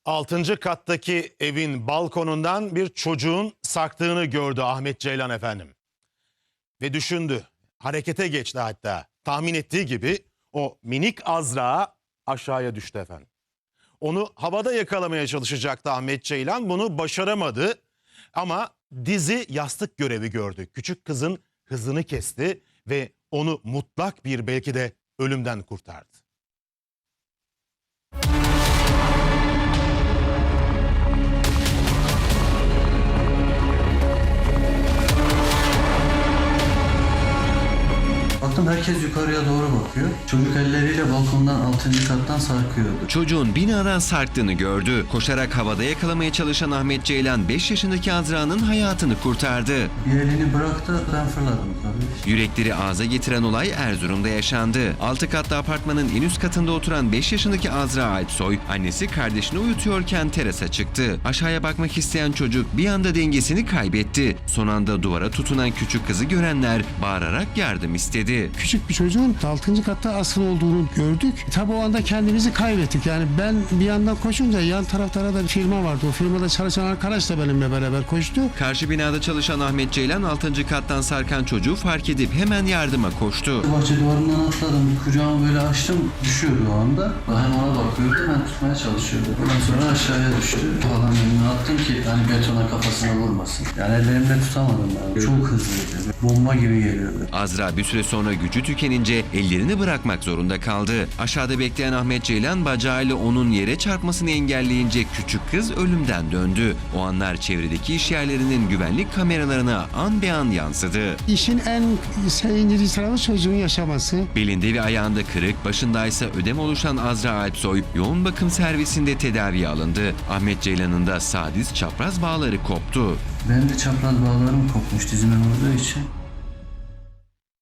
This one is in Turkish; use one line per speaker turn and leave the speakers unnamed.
Altıncı kattaki evin balkonundan bir çocuğun sarktığını gördü Ahmet Ceylan efendim. Ve düşündü, harekete geçti hatta. Tahmin ettiği gibi o minik Azra aşağıya düştü efendim. Onu havada yakalamaya çalışacaktı Ahmet Ceylan, bunu başaramadı. Ama dizi yastık görevi gördü. Küçük kızın hızını kesti ve onu mutlak bir belki de ölümden kurtardı.
Baktım herkes yukarıya doğru bakıyor. Çocuk elleriyle balkondan 6. kattan sarkıyordu.
Çocuğun binadan sarktığını gördü. Koşarak havada yakalamaya çalışan Ahmet Ceylan 5 yaşındaki Azra'nın hayatını kurtardı.
Bir elini bıraktı, ben fırladım tabii.
Yürekleri ağza getiren olay Erzurum'da yaşandı. 6 katlı apartmanın en üst katında oturan 5 yaşındaki Azra Alpsoy, annesi kardeşini uyutuyorken terasa çıktı. Aşağıya bakmak isteyen çocuk bir anda dengesini kaybetti. Son anda duvara tutunan küçük kızı görenler bağırarak yardım istedi.
Küçük bir çocuğun 6. katta asıl olduğunu gördük. Tabii o anda kendimizi kaybettik. Yani ben bir yandan koşunca yan taraflara da bir firma vardı. O firmada çalışan arkadaş da benimle beraber koştu.
Karşı binada çalışan Ahmet Ceylan 6. kattan sarkan çocuğu fark edip hemen yardıma koştu.
Bahçe duvarından atladım. Kucağımı böyle açtım. Düşüyordu o anda. Hem ona bakıyordu, ben tutmaya çalışıyordu. Ondan sonra aşağıya düştü. Falan elini attım ki hani betona kafasına vurmasın. Yani ellerimle tutamadım ben. Çok hızlıydı. Bomba gibi geliyordu.
Azra bir süre sonra gücü tükenince ellerini bırakmak zorunda kaldı. Aşağıda bekleyen Ahmet Ceylan bacağıyla onun yere çarpmasını engelleyince küçük kız ölümden döndü. O anlar çevredeki iş yerlerinin güvenlik kameralarına an be an yansıdı.
İşin en sevindirici tarafı çocuğun yaşaması.
Belinde ve ayağında kırık, başındaysa ödem oluşan Azra Alpsoy yoğun bakım servisinde tedaviye alındı. Ahmet Ceylan'ın da sağ diz çapraz bağları koptu.
Benim de çapraz bağlarım kopmuş dizime vurduğu için.